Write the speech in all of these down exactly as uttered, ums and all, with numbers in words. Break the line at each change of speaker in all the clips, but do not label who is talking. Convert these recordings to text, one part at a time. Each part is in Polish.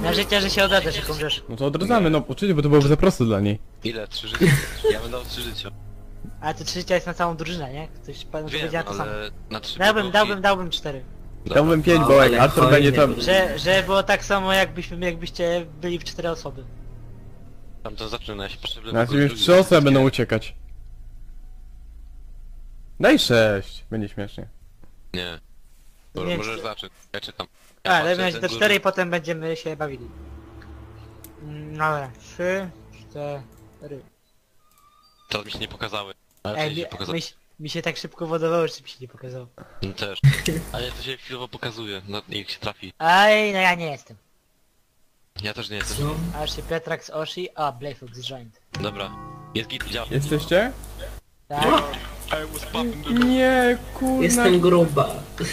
Na życie, że się odadasz, jak umrzesz.
No to odradzamy, no oczywiście, bo to byłoby za proste dla niej.
Ile? Trzy życia? Ja bym dał trzy życia.
Ale to trzy życia jest na całą drużynę, nie? Ktoś panu
Wiem,
powiedziała to samo.
ale na trzy
Dałbym,
bloki-
dałbym, dałbym cztery.
Dobra.
Dałbym pięć,
No,
bo jak
ale
Artur
fajnie
będzie tam...
było.
Że, że było tak samo jakbyśmy, jakbyście byli w cztery osoby.
Tam to zaczyna, ja się potrzebny...
Na razie już trzy osoby będą uciekać. Daj sześć, będzie śmiesznie.
Nie.
Nie
Może, możesz
chcę.
zacząć, ja czekam.
A,
Ja
ale
patrzę,
będzie
ten
to
duży-
cztery i potem będziemy się bawili. Mm, Dobra, trzy, cztery.
To mi się nie pokazały. Ale
Ej,
to
mi,
się pokazało.
mi, mi się tak szybko wodowało, że mi się nie pokazało.
Mi też. Ale to się chwilowo pokazuje, no niech się trafi.
Aj, no ja nie jestem.
Ja też nie jestem.
Co?
Aż się Petrax Oshi, a Blayfox joined.
Dobra. Jest git, działa.
Jesteście?
Tak?
I was popping the...
Nie, kurna.
Jestem gruba.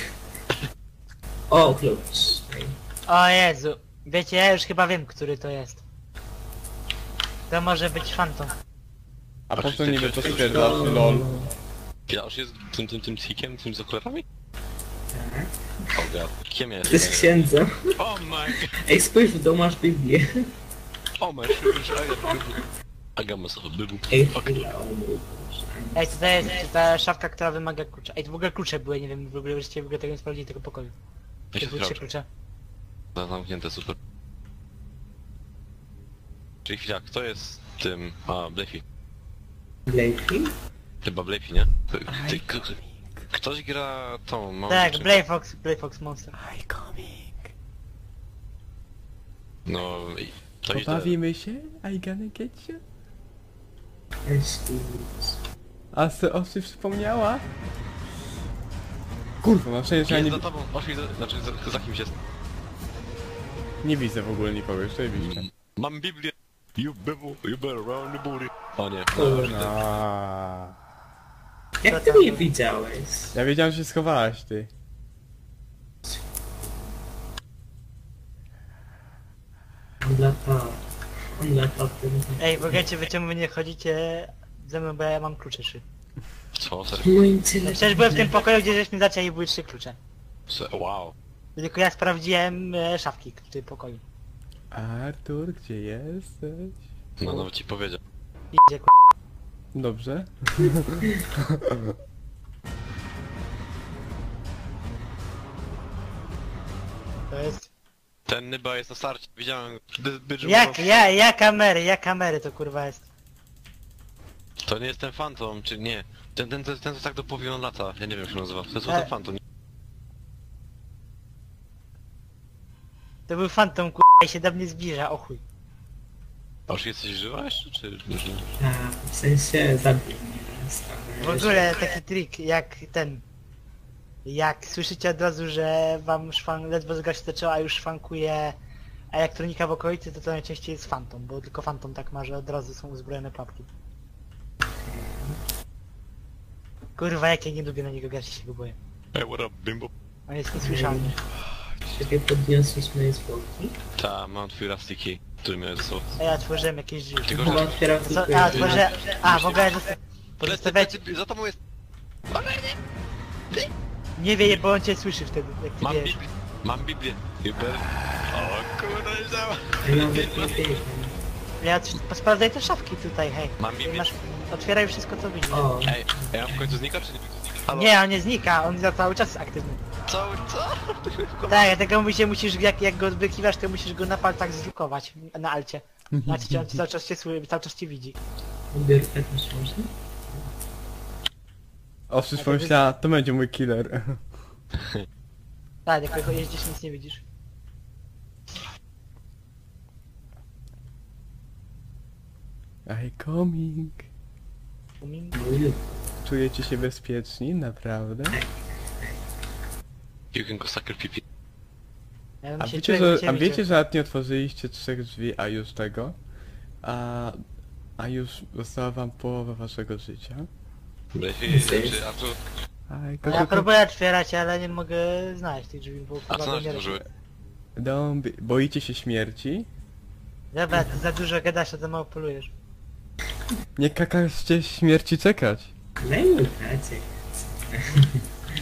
O, klucz.
O Jezu. Wiecie, ja już chyba wiem, który to jest. To może być Phantom.
A po co
Ty-
niby
ty-
to
ty-
stwierdzasz, lol?
Ja już jest tym, tym, tym tikiem, tym z okularami?
Tak.
O god. Kim jest?
To jest księdzem.
Oh my god.
Ej, spójrz w dół, masz Biblię.
Oh my god. I got myself a bible.
Ej,
Okej.
chwila, o mój Boże.
Ej, to jest ta szafka, która wymaga klucza. Ej, to w ogóle klucze były, nie wiem, w ogóle żeście w ogóle tego nie sprawdzili, tego pokoju.
Ja się
To były trzy
sprawdzę.
klucze.
No, zamknięte, super. Czyli chwila, kto jest tym... A, Blefy.
Blakey?
Chyba Blefy, nie? Ty, ty, k- ktoś gra tą małą
Tak,
dziewczynkę.
Blayfox, Blayfox Monster.
I coming.
No i... To idę.
Pobawimy się? I gonna get you?
Excuse.
A se Oszy wspomniała? Kurwa, na szczęście ja
Jest
nie,
za tobą, ośli, za, znaczy za, za kimś jest.
nie widzę w ogóle nikogo, jeszcze widzę.
Mam Biblię. You better, you better round the booty. O nie.
Aaaa.
Jak ty mnie widziałeś?
Ja wiedziałem, że się schowałaś, ty.
On lata. On lata w tym...
Ej, w ogóle wy czemu wy nie chodzicie ze mną, bo ja mam klucze trzy.
Co? Serio?
Mój
No
intelekt.
przecież byłem w tym pokoju, gdzie żeśmy zaczęli, były trzy klucze.
Se- Wow.
Tylko ja sprawdziłem e, szafki w tym pokoju.
Artur, gdzie jesteś?
No nawet ci powiedział.
Idzie ku...
Dobrze.
To jest...
Ten Nyba jest na starcie, widziałem. by- by-
Jak, ja, ja kamery, ja kamery to kurwa jest.
To nie jest ten Phantom, czy nie? Ten, ten, ten, ten co tak do połowy on lata, ja nie wiem jak się nazywa. To jest
E.
ten Phantom.
To był Phantom kurwa i się do mnie zbliża, o chuj.
A już jesteś żywa jeszcze, czy... czy-
A, w sensie zabił mnie. stary.
W ogóle taki trik, jak ten... Jak słyszycie od razu, że wam szwan, ledwo zgra się zaczęła, a już szwankuje elektronika w okolicy, to to najczęściej jest Phantom, bo tylko Phantom tak ma, że od razu są uzbrojone pułapki. Kurwa, jak ja nie lubię na niego grać, się go boję.
Hey, what up, bimbo?
On jest niesłyszalny.
Ciebie podniosłeś moje zwłoki?
Ta, mam twój rusty key, który miał ze sobą.
A ja otworzyłem jakieś drzwi.
Tylko,
Chyba
że...
otwieram
Co?
tylko
A,
jedno.
otworzę... A, w ogóle... zosta-
Lecę,
Zostawiać...
lecę, za tobą jest...
Nie wie, bo on cię słyszy wtedy, jak ty
Mam
wiesz.
Biblię, mam Biblię. You better... O kurwa, nie działa.
Ja nawet nie biegam.
Ja t- sprawdzaj te szafki tutaj, hej.
Mam Biblię.
Masz... Otwieraj wszystko co widzisz.
O,
Ej, ej, a w końcu znika, czy nie? Halo?
Nie, on nie znika, on za cały czas jest aktywny.
Co? Co?
Tak, dlatego musisz, musisz jak, jak go odbrykiwasz, to musisz go na palcach zlukować, na alcie. Znaczy, on cały czas cię słyszy, cały czas cię widzi.
odbiórkę też można?
Oszy pomyślała, to będzie mój killer.
Tak, jak jeździsz, nic nie widzisz.
I coming.
Umiem?
No i
Czujecie się bezpieczni? Naprawdę?
You can go suck your pipi.
Ja bym
A
się
wiecie,
czuł, jakby
że,
cię
a wiecie,
widział.
że nawet nie otworzyliście trzech drzwi, a już tego? A, a już została wam połowa waszego życia?
Lepiej, znaczy, a tu...
I
No ja próbuję otwierać, ale nie mogę znaleźć tych drzwi, bo
A
chyba
co
go
nas
nie
tworzyły?
Don't be... Boicie się śmierci?
Dobra, ty za dużo gadasz, a za mało polujesz.
Nie kakaście śmierci czekać.
daj mu tacę.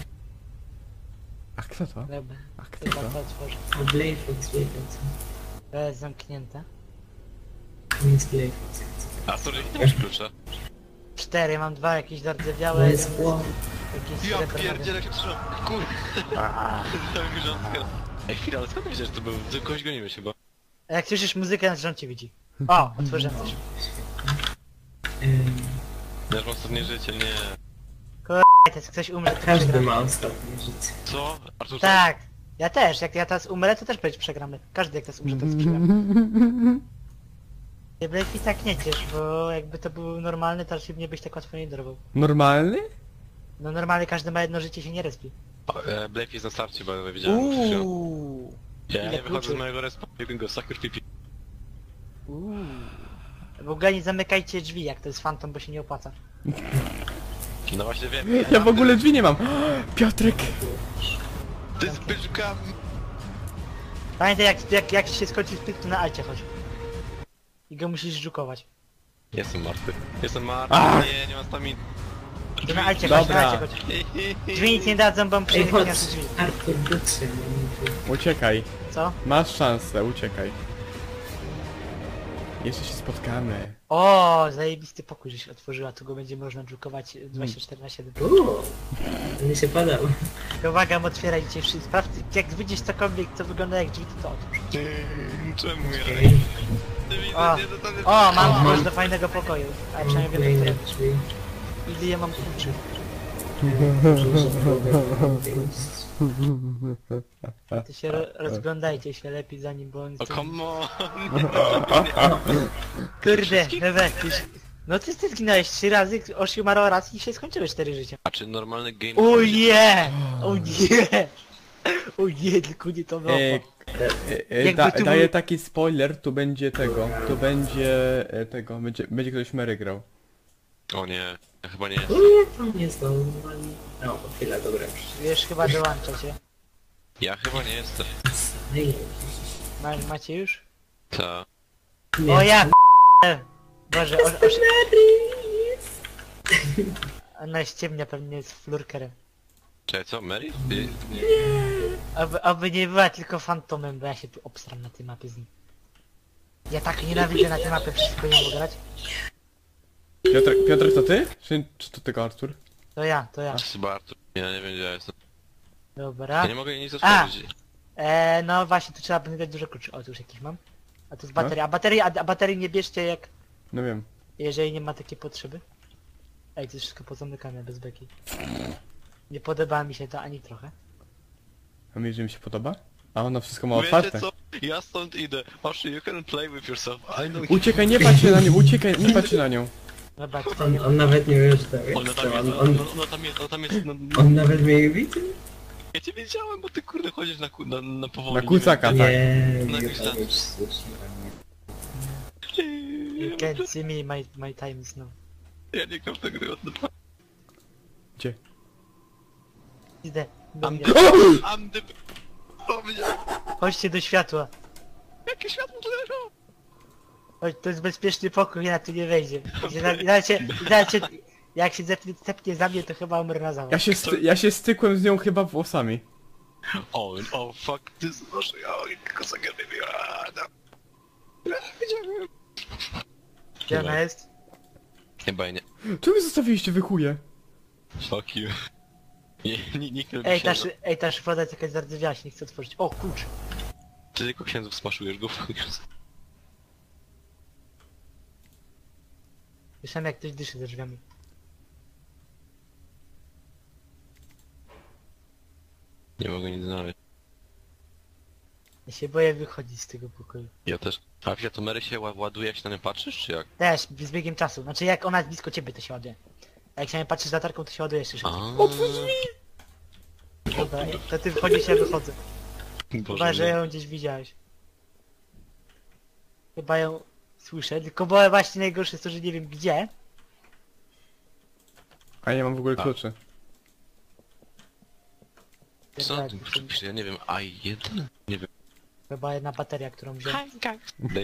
A kto to?
Dobra,
A kto
chyba
to?
to otworzę.
O Blayfox wiedział co.
To jest zamknięte.
Nic play.
A sorry, nie masz klucza.
Cztery, mam dwa jakieś
To
zardzewiałe,
jest chłop.
jakieś
Ja
srebrne.
pierdzielę jak się trzymam. Kur... Dałem mi rządkę. Ej, chwila, ale skąd wiesz, że to był? Ty kogoś gonimy chyba.
A jak słyszysz muzykę, na rząd cię widzi. O, otworzyłem coś.
Ym,
Ja już mam ostatnie życie, nie.
To jest ktoś umrze, to
Każdy
przegramy.
ma ostatnie życie.
Co? Artur,
Tak. Ja też, jak ja teraz umrę, to też będzie przegramy. Każdy jak teraz umrze, to jest przegramy. Nie Blake i tak nie ciesz, bo jakby to był normalny, to raczej mnie byś tak łatwo nie dorwał.
Normalny?
No normalnie każdy ma jedno życie, się nie respi.
e, Blake jest na starcie, bo ja widziałem. Uuu.
Uuu.
Ja
ile
nie wychodzę
kluczy.
z mojego respa, jak go sucker pipi.
Uuu. W ogóle nie zamykajcie drzwi, jak to jest fantom, bo się nie opłaca.
No właśnie wiem.
Ja w ogóle drzwi nie mam. Piotrek!
Ty z byczkami.
Pamiętaj, jak, jak, jak się skończy split, to na alcie chodź. I go musisz żukować.
Jestem martwy. Jestem martwy,
Ach.
nie, nie mam stamina.
To na alcie chodź, na
Dobra.
alcie chodź. Drzwi nic nie dadzą, bo
Ej,
przyjdzie
chodź,
nasze drzwi.
Artur, dotrze mnie.
Uciekaj.
Co?
Masz szansę, uciekaj. Jeszcze się spotkamy.
O, zajebisty pokój, że się otworzyła, tu go będzie można drukować dwadzieścia cztery na siedem.
Uuu, mnie się padał.
Pomagam otwierać dzisiaj wszystko. Sprawdź, jak widzisz cokolwiek, co wygląda jak drzwi, to to otwórz.
Czemu ja?
Ej,
Ty widzę,
O,
nie, to tam jest...
o, mam
Aha.
klucz do fajnego pokoju. A
mam
przynajmniej wiem,
kolejne
które.
drzwi.
Ile ja mam kluczy. To się ro rozglądajcie się lepiej zanim, bo on...
O, come on!
Kurde, Ewe, tyś... No ty, ty zginąłeś trzy razy, Oshi umarł raz i się skończyły cztery życia.
A czy normalny game...
O nie! O nie! O nie, tylko nie to było.
E, e, e,
Jakby
da,
tu
daję
był-
taki spoiler, tu będzie tego. Tu będzie e, tego. Będzie, będzie ktoś Mary grał.
O nie, ja chyba nie.
Nie, to nie znowu. No, chwila, dobra.
Wiesz, chyba dołącza cię.
Ja chyba nie jestem.
Ej,
Ma, macie już?
Ta.
nie.
O ja p***e. Boże, o, oszy... Ona ściemnia pewnie jest flurkerem.
Czekaj, co? Mary? Ty...
Aby, aby nie była tylko fantomem, bo ja się tu obstram na tej mapie z nim. Ja tak nienawidzę na tej mapie, wszystko nie mogę grać.
Piotrek, Piotrek to ty? Czy, czy to tylko Artur?
To ja, to ja.
Chyba Artur. Ja nie wiem gdzie ja jestem.
Dobra.
Ja nie mogę nic
A!
otworzyć.
Eee, no właśnie, tu trzeba będzie dać dużo kluczy. O, tu już jakiś mam. A tu jest bateria. A baterii, a, a baterii nie bierzcie jak...
No wiem.
Jeżeli nie ma takiej potrzeby. Ej, to jest wszystko pozamykane bez beki. Nie podoba mi się to ani trochę.
A mi, że mi się podoba? A ono wszystko ma
Wiecie
otwarte.
co? Ja stąd idę. Oszy, you can play with yourself. I know
Uciekaj, nie patrz się na nią, uciekaj, nie patrz się na nią.
Dobra, tutaj
On,
nie ma...
on nawet nie wie, że to jest.
Ona tam jest,
On,
ona,
on,
ona tam jest, ona tam jest, no,
on nawet mnie widzi?
ja cię wiedziałem, bo ty kurde chodzisz na, ku- na, na powoli.
Na kucaka, tak.
Nie,
No
nie,
jakoś
to
tak.
już słusznie.
You can't see me, my, my time is now.
Ja nie gram w tę gry od dwa.
Gdzie?
Idę. do
Am
mnie.
the... Am the... O mnie!
Chodźcie do światła.
Jakie światło tu leżą?
Chodź, to jest bezpieczny pokój, ja tu nie wejdzie. Znacie, znacie, jak się zepnie, zepnie za mnie, to chyba umrę na zawód.
Ja się, sty, ja się stykłem z nią chyba włosami.
O, o, fuck this, Oszy, o, kosa gęby mi, a, no. Ja Wiedziałem.
Gdzie ona jest?
Chyba nie.
Czemu mnie zostawiliście, wy chuje?
Fuck you. Nie, nie, nikt nie lubi
Ej, ta,
księdza.
szy- ej, ta szyfroda jest jakaś zardzewiała, się nie chce otworzyć. O, klucz.
Ty tylko księdzów smaszujesz go.
Słyszałem jak ktoś dyszy za drzwiami.
Nie mogę nic znaleźć.
Ja się boję wychodzić z tego pokoju.
Ja też. A chwila, to Mary się ła- ładuje, jak się na nią patrzysz, czy jak?
Też, z biegiem czasu. Znaczy jak ona jest blisko ciebie, to się ładuje. A jak się na nią patrzysz z latarką, to się ładuje jeszcze szybciej.
A.
Dobra, to ty wchodzisz, ja wychodzę. Chyba,
Boże,
że
nie.
ją gdzieś widziałeś. Chyba ją słyszę, tylko bo właśnie najgorsze jest to, że nie wiem gdzie.
A ja mam w ogóle
A.
klucze.
Co
Tak,
na tym przepisze? Ja nie wiem, A jeden? Nie wiem.
Chyba jedna bateria, którą wziąłem.
Daj.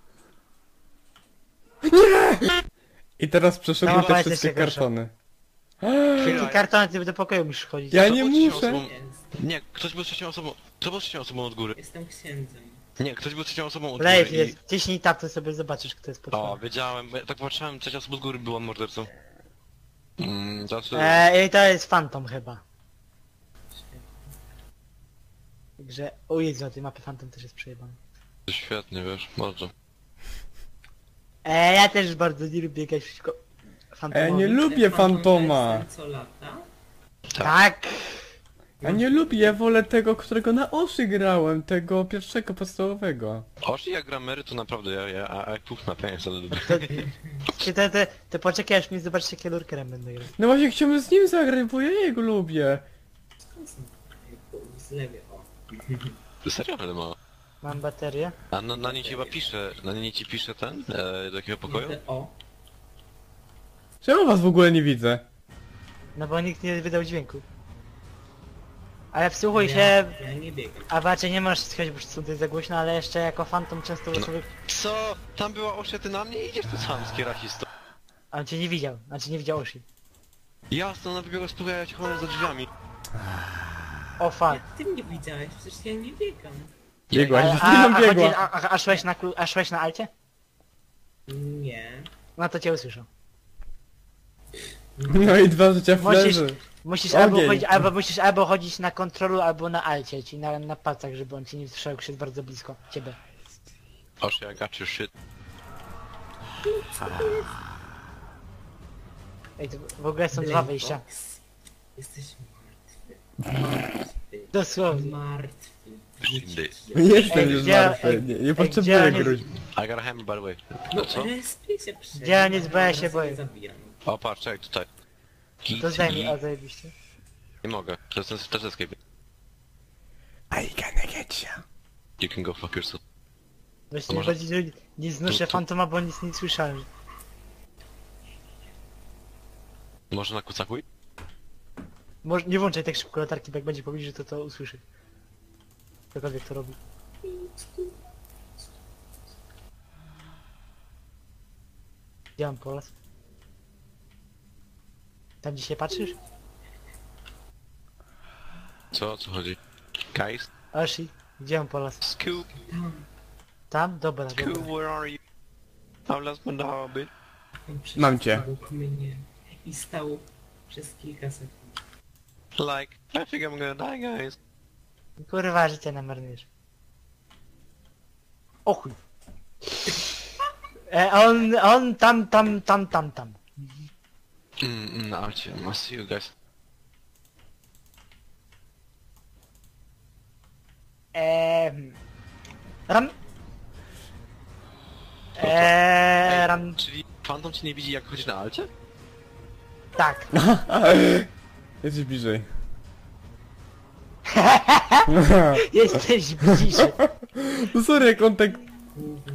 I teraz przeszedłem
No,
te
ale
wszystkie
jeszcze gorsza.
kartony.
Ty kartony, ty do pokoju musisz chodzić.
Ja
Kto
nie
był trzecią
muszę.
osobą?
Jest.
Nie, ktoś był trzecią osobą. Kto był trzecią osobą od góry?
Jestem księdzem.
Nie, ktoś był trzecią osobą od
Leif
góry
jest, ciśnij tap, to sobie zobaczysz, kto jest
i... O,
potworem.
wiedziałem, bo ja tak patrzyłem, trzecia osoba od góry była mordercą. Mm, znaczy...
Eee, i to jest Phantom chyba. Także, o Jezu, na tej mapie Phantom też jest przejebany.
Świetnie, wiesz, bardzo.
Eee, ja też bardzo nie lubię biegać przeciwko Phantomowi.
Ja nie lubię
Fantom
Fantoma.
to jest ten, co lata?
Tak!
Ja nie lubię, ja wolę tego, którego na oszy grałem, tego pierwszego podstawowego.
Oż jak gramery to naprawdę, ja, ja, a jak puch na pieniądze, ale dobra.
Ty, ty, ty, ty poczekaj, aż mi zobaczysz, jakie lurkerem będę grał.
No właśnie chciałbym z nim zagrać, bo ja jego lubię.
Skąd są? Z lewej, o.
Serio, ale ma.
Mam baterię.
A na, na niej ci chyba pisze, na niej ci pisze ten, e, do jakiego pokoju?
O.
Czemu was w ogóle nie widzę?
No bo nikt nie wydał dźwięku. Ale wsłuchuj
ja,
się,
Ja nie biegam.
a raczej nie możesz słuchać, bo są tutaj za głośno, ale jeszcze jako Phantom często
No.
sobie...
Co? Tam była Osia, ty na mnie idziesz tu sam z kierasisto.
A on cię nie widział, znaczy nie widział Oshi.
Jasno, ona wybiegła z pokoju, ja cię chowałem za drzwiami.
O fuck.
Jak ty mnie widziałeś? Przecież ja nie biegam.
Biegłaś,
A,
z
a,
nim
a, chodzi,
biegła.
a, a, a, szłeś na, klu- a szłeś na alcie?
Nie.
No to cię usłyszał.
No i dwa życia
Musisz,
flerzy.
musisz
Ogień.
albo chodzić, albo musisz albo chodzić na kontrolu, albo na alcie, czyli na, na palcach, żeby on cię nie słyszał, jak jest bardzo blisko ciebie.
Osia, I got your shit.
Ej, to w ogóle są dwa wyjścia.
Box. Jesteś martwy. Martwy.
Dosłownie.
Martwy.
Shindy.
Jestem
Ej,
już
gdzie-
martwy,
ej,
nie,
ej,
nie
gdzie
potrzebuję
on jest?
gruźb.
I got a hammer by the way.
No
No co?
respię się przed.
Gdzie nic, bo ja się boję.
Zabijam.
O, patrz, czekaj, tutaj.
To zdaj mi,
Kitty.
o zajebiście.
Nie mogę, to jest, to jest, to jest escape.
I gonna get you.
You can go fuck yourself.
Właśnie
może-
bardziej, że nie znoszę
Tu- tu-
Fantoma, bo nic nie słyszałem.
Może na kucakuj?
Może nie włączaj tak szybko latarki, bo jak będzie powiedzieć, że to to usłyszy. Ktokolwiek to robi. Gdzie mam polas? Tam gdzie się patrzysz?
Co, o co chodzi? Guys?
Oshi, gdzie mam polas?
Scoop,
Tam.
Tam? Dobra,
Scoop,
dobra.
where are you? I've lost my hobby.
On przyszedł
Mam cię.
obok mnie i stał przez kilka sekund.
Like, I think I'm gonna die, guys.
Kurwa, życie namarnujesz. O chuj. E, on, on tam, tam, tam, tam, tam.
Mm, mm, no, cię, must see you guys.
Eee, ram. Eee, ram.
Czyli Phantom cię nie widzi jak chodzi na alcie?
Tak.
Jesteś bliżej.
Jesteś bliżej.
No sorry, jak on tak...
Głównie.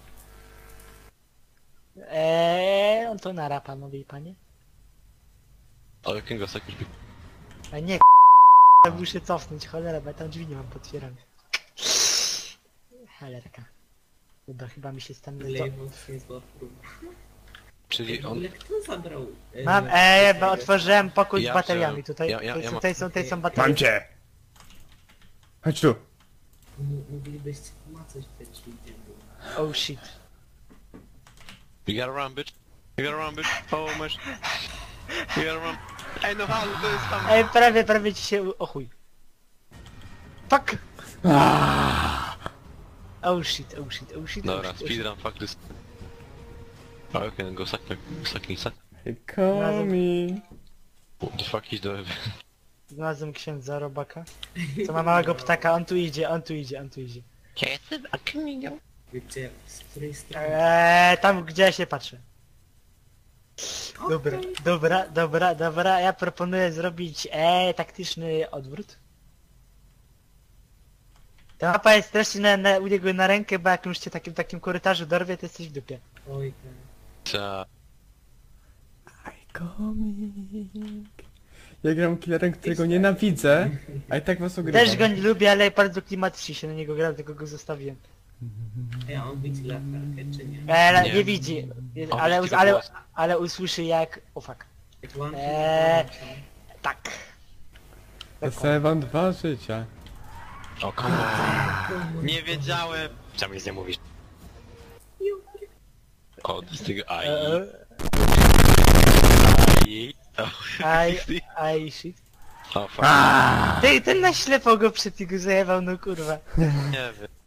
Eee, on to nara, panowie i panie.
Ale can go suck your dick.
A nie, muszę cofnąć, cholera, bo ja tam drzwi nie mam potwierane. Cholerka. Dobra, chyba mi się stan...
Lejwos jest zła próba.
Czyli
W
on...
ogóle kto zabrał... e,
Mam,
nasz
eee, bo
tego?
otworzyłem pokój
Ja
z bateriami.
wziąłem.
Tutaj,
Ja- ja-
tutaj,
ja mam-
tutaj są, tutaj są baterie.
Mam cię! Chodź tu.
M- Moglibyście pomacać te drzwi, gdzie było.
Oh shit.
You gotta run, bitch. You gotta run, bitch. Oh, my sh... You gotta run. Ej, no halo, to jest tam...
Ej, prawie, prawie ci się... O chuj. Fuck! Oh shit, oh shit, oh shit, oh
Dobra,
shit, oh shit.
speedrun, fuck this. Oh, okay, then go suck my... sucking suck.
Hey, coming.
What the fuck is the...
Znalazłem księdza robaka. Co ma małego ptaka, on tu idzie, on tu idzie, on tu idzie.
Jestem, a kamienią.
Gdzie? Z której strony?
Eee, tam gdzie ja się patrzę. Dobra,
Okej.
dobra, dobra, dobra, ja proponuję zrobić eee, taktyczny odwrót. Ta mapa jest strasznie na, na, u niego na rękę, bo jak już cię takim takim korytarzu dorwie, to jesteś w dupie.
Oj, tak.
Ta...
I coming. Ja gram killerem, którego nienawidzę, a i tak was ogrywam.
Też go nie lubię, ale bardzo klimatycznie się na niego gra, tylko go zostawiłem.
Ej, a on widzi latarkę, czy nie?
Eee,
Nie.
nie widzi,
On
ale,
widzi
ale,
tylko głos.
ale usłyszy jak... O fuck. Eee, tak.
Dostaję wam dwa życia.
O come on. Nie wiedziałem. Czemu nic nie mówisz? O, z tego ai.
Eee,
Ai.
I, I shit.
O, fuck.
Ty, ten na ślepo go przed tego zajebał, no kurwa.
Nie wiem.